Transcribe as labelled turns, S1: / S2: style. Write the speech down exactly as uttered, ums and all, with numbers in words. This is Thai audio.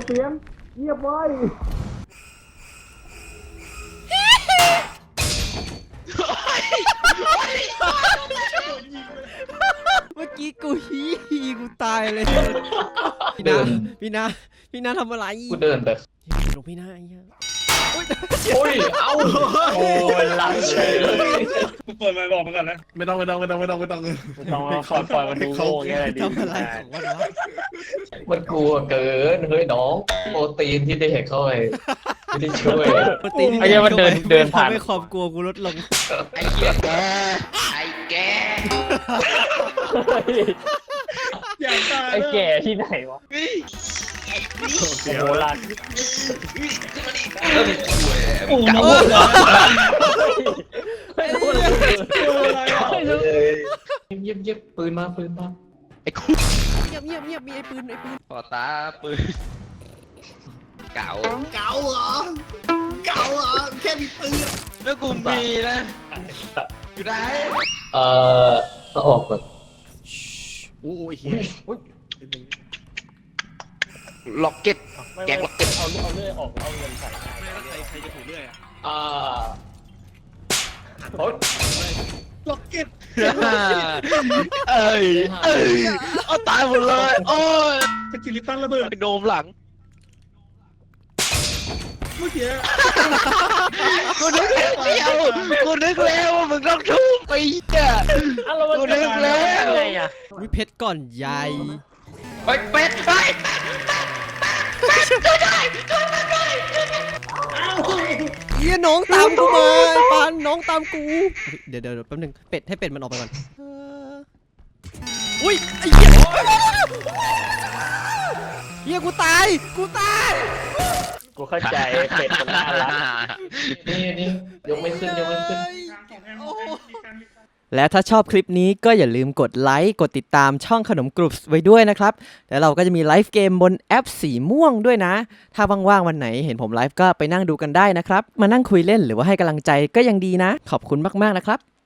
S1: เสียงเงียบไว้
S2: เมื่อกี้กูฮีกูตายเลยพี่นาพี่นาพี่นาทำอะไร
S3: กูเดินไป
S2: หลวงพี่นาไอ้เหี้ย
S3: โอ้ยเอ้าโอ้ยลังเฉยเลย
S4: กูเปิดมาบอกมันก่อนนะไม่ต้องไม่ต้องไม่ต้องไม่ต้องไม่ต้องไม่ต้องคอยปล่อยมันดูโง่เงี้ยดี
S2: ทำอะไรของมันวะ
S3: มันกลัวเกินเฮ้ยน้องโปรตีนที่ได้เห็นเข้าไปไม่ได้ช่วย
S2: ปกติที่
S5: ไอ้เหี้ยมันเดินเดินผ่าน
S2: ทำให้ความกลัวกูลดลง
S3: ไอ้เหี้ยแกไอ้แก
S4: อย่างตาย
S5: ไอ้แก่ที่ไหนวะโบราณ
S3: โอ้โหเงียบเงียบปืนมาปืนมาไอ้คุก
S2: เงียบเงียบเงียบมีไอ้ปืนไอ้ปืน
S3: ปอตาปืนเก่า
S1: เก่าเหรอเก่าเหรอแค่มีปืน
S3: แล้วกูมีนะอยู่ไหนเอ่อต้องออกก่อน
S4: โอ้ยเฮีย
S3: ล็อกเก็ตแกงล็อกเก็ต
S5: เอาเอาเลื่อยออกเอาเงินใส่
S4: ใครใครจะถูกเรื่อยอ่ะ
S3: อ่าโอ้ย
S4: ล็อกเก็ต
S3: เอ้ยเอ้ยเอาตายหมดเลยโอ้ย
S4: สกิลิตันระเบิด
S3: โดมหลัง
S4: เมื่อกี้
S3: กูนึกแล้วเดียวกูนึกแล้วว่ามึงต้องทุบไปอ่ะ กูนึกแล้ว
S5: ไงอ่ะ
S2: วิเพชรก่อนใหญ่
S3: ไปเป็ดไปก็ได้ก็ได้
S2: เฮียน้องตามกูมาไอ้ปานน้องตามกูเดี๋ยวเดี๋ยวแป๊บนึงเป็ดให้เป็ดมันออกไปก่อนอุ้ยไอ้เหี้ยเฮียกูตายกูตาย
S5: กูเข้าใจเป็ดมันน่ารัก
S3: นี่นี่ยกไม่ขึ้นยกไม่ขึ้น
S2: และถ้าชอบคลิปนี้ก็อย่าลืมกดไลค์กดติดตามช่องขนมกรุบไว้ด้วยนะครับแล้วเราก็จะมีไลฟ์เกมบนแอปสีม่วงด้วยนะถ้าว่างๆวันไหนเห็นผมไลฟ์ก็ไปนั่งดูกันได้นะครับมานั่งคุยเล่นหรือว่าให้กำลังใจก็ยังดีนะขอบคุณมากๆนะครับ